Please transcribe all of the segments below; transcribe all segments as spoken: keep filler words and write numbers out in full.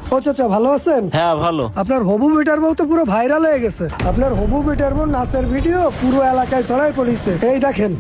ও চাচা ভালো আছেন? হ্যাঁ ভালো। আপনার হবু বেটার বউ তো পুরো ভাইরাল হয়ে গেছে। আপনার হবু বেটার বউ নাচের ভিডিও পুরো এলাকায় ছড়াই পড়েছে। এই দেখেন।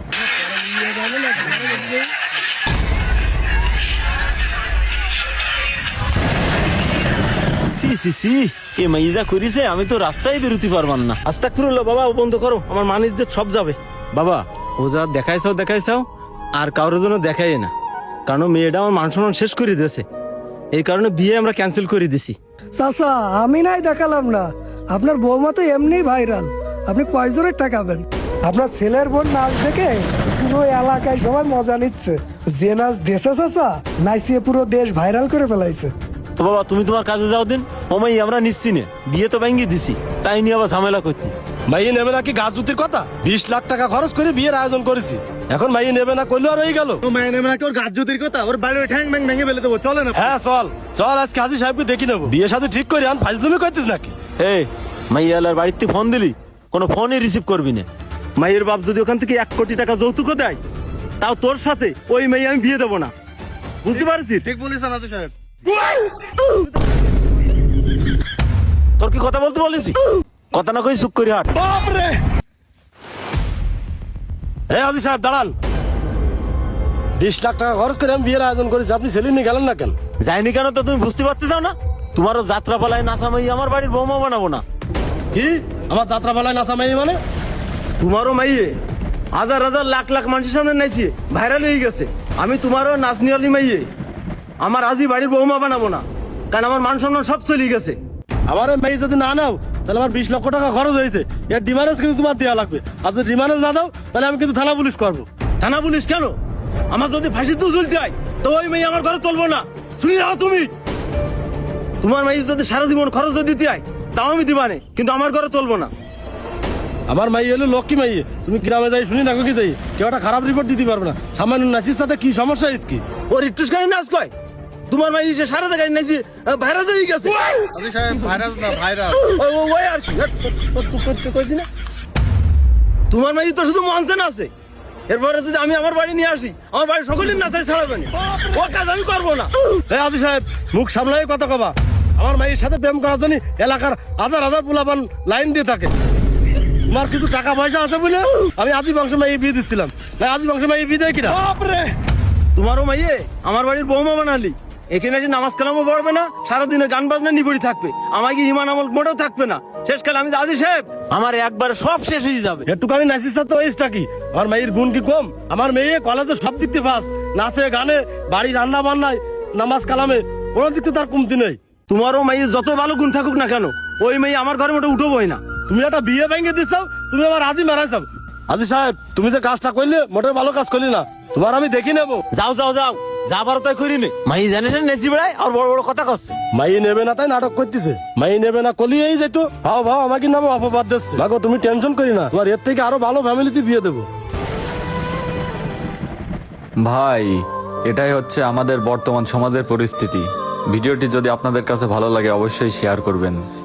সি সি সি এ মাইজা করিছে, আমি তো রাস্তায় বেরোতে পারবার না। আস্তাগফিরুল্লাহ বাবা, বন্ধ করো, আমার মান ইজ্জত সব যাবে। বাবা ও যা দেখাইছাও দেখাইছাও আর কারোর জন্য দেখাই না, কারণ মেয়েটা আমার মান সম্মান শেষ করে দিয়েছে। এই কারণে বিয়ে আমরা ক্যান্সেল করে দিছি। চাচা আমি নাই দেখালাম না, আপনার বৌমা তো এমনি ভাইরাল। আপনি কয় জোরে টাকাবেন? আপনার ছেলের বোন নাচ দেখে পুরো এলাকায় সবাই মজা নিচ্ছে। যে নাচ দেশে চাচা নাচিয়ে পুরো দেশ ভাইরাল করে ফেলাইছে। তো বাবা তুমি তোমার কাজে যাও দিন, ও মাই আমরা নিচ্ছি না, বিয়ে তো ভেঙে দিছি, তাই নিয়ে আবার ঝামেলা করছি। মাইয়ে নেবে নাকি গাছ জুতির কথা? বিশ লাখ টাকা খরচ করে বিয়ের আয়োজন করেছি, এখন মাইয়ে নেবে না করলে আর হয়ে গেল। মাইয়ে নেবে নাকি ওর গাছ জুতির কথা? ওর বাড়ি ঠ্যাং ব্যাং ভেঙে ফেলে দেবো, চলে না? হ্যাঁ চল চল, আজ কাজী সাহেবকে দেখি নেবো। বিয়ে সাথে ঠিক করে আন, ফাজলুমি করতিস নাকি? এই মাইয়ালার বাড়িতে ফোন দিলি, কোনো ফোনই রিসিভ করবি না। মাইয়ের বাপ যদি ওখান থেকে এক কোটি টাকা যৌতুকও দেয়, তাও তোর সাথে ওই মেয়ে আমি বিয়ে দেবো না, বুঝতে পারছিস? ঠিক বলেছেন আজু সাহেব। তোর কি কথা বলতে বলেছি? কথা না কই চুপ করি হাট। হ্যাঁ আজি সাহেব দাঁড়ান, বিশ লাখ টাকা খরচ করে আমি বিয়ের আয়োজন করেছি, আপনি ছেলে নিয়ে গেলেন না কেন? যাইনি কেন তো তুমি বুঝতে পারতে চাও না? তোমারও যাত্রা পালায় নাচা মাই আমার বাড়ির বৌমা বানাবো না। কি আমার যাত্রা পালায় নাচা মাইয়ে মানে? তোমারও মাইয়ে হাজার হাজার লাখ লাখ মানুষের সামনে নাইছি, ভাইরাল হয়ে গেছে। আমি তোমারও নাচনিয়ালি মাইয়ে আমার আজই বাড়ির বৌমা বানাবো না, কারণ আমার মান সম্মান সব চলে গেছে। আমার এই মেয়ে যদি না নাও তাহলে আমার বিশ লক্ষ টাকা খরচ হয়েছে, এর ডিমান্ডস কিন্তু তোমার দেওয়া লাগবে। আর যদি ডিমান্ডস না দাও তাহলে আমি কিন্তু থানা পুলিশ করবো। থানা পুলিশ কেন? আমার যদি ফাঁসিতেও ঝুলতে হয় তো ওই মেয়ে আমার ঘরে তুলবো না। শুনি যাও তুমি, তোমার মেয়ে যদি সারা জীবন খরচ দিতে হয় তাও আমি দিবানে, কিন্তু আমার ঘরে তুলবো না। আমার মাইয়ে হলো লক্ষ্মী মাইয়ে, তুমি গ্রামে যাই শুনি থাকো কি যাই, কেউ একটা খারাপ রিপোর্ট দিতে পারবে না। সামান্য নাচিস তাতে কি সমস্যা? কি ওর একটু গাড়ি নাচ কয়, তোমার মাই সে সারা গাড়ি নাচি ভাইরাল হয়ে গেছে। আজু সাহেব ভাইরাস না ভাইরাস। ওই ওই- ওই আর কি কইছি না, তোমার মাই তো শুধু মঞ্চে নাচে। এরপরে যদি আমি আমার বাড়ি নিয়ে আসি, আমার বাড়ি সকলের নাচাই ছাড়াবে না, ও কাজ আমি করবো না। হ্যাঁ আদি সাহেব মুখ সামলাই কথা কবা। আমার মাইয়ের সাথে প্রেম করার জন্য এলাকার হাজার হাজার পোলাপান লাইন দিয়ে থাকে। তোমার কিছু টাকা পয়সা আছে বলে আমি আদি বংশ মাইয়ে বিয়ে দিচ্ছিলাম, না আদি বংশ মাইয়ে বিয়ে দেয় কিনা? তোমারও মাইয়ে আমার বাড়ির বৌমা বানালি, এখানে এসে নামাজ কালামও পড়বে না, সারাদিনে গান বাজনা নিবড়ি থাকবে, আমাকে ইমান আমল মোটেও থাকবে না। শেষকালে আমি দাদি সাহেব আমার একবার সব শেষ হয়ে যাবে। একটু আমি নাচিস তো ওইটা কি? আমার মেয়ের গুণ কি কম? আমার মেয়ে কলেজে সব দিক থেকে ফার্স্ট, নাচে গানে বাড়ি রান্না বান্নায় নামাজ কালামে কোনো দিক থেকে তার কমতি নেই। তোমারও মেয়ে যত ভালো গুণ থাকুক না কেন, ওই মেয়ে আমার ঘরে মোটে উঠবোই না। তুমি একটা বিয়ে ভেঙে দিচ্ছ, তুমি আমার আজই মারাইছ। আজি সাহেব তুমি যে কাজটা করলে মোটেও ভালো কাজ করলি না, তোমার আমি দেখি নেবো। যাও যাও যাও, যা পারো তাই করি নে। মাই জানে না নেচি বেড়ায় আর বড় বড় কথা করছে। মাই নেবে না তাই নাটক করতেছে, মাই নেবে না কলি এই যেত ভাও ভাও আমাকে নামে অপবাদ দিচ্ছে। মাগো তুমি টেনশন করি না, তোমার এর থেকে আরো ভালো ফ্যামিলিতে বিয়ে দেবো। ভাই এটাই হচ্ছে আমাদের বর্তমান সমাজের পরিস্থিতি। ভিডিওটি যদি আপনাদের কাছে ভালো লাগে অবশ্যই শেয়ার করবেন।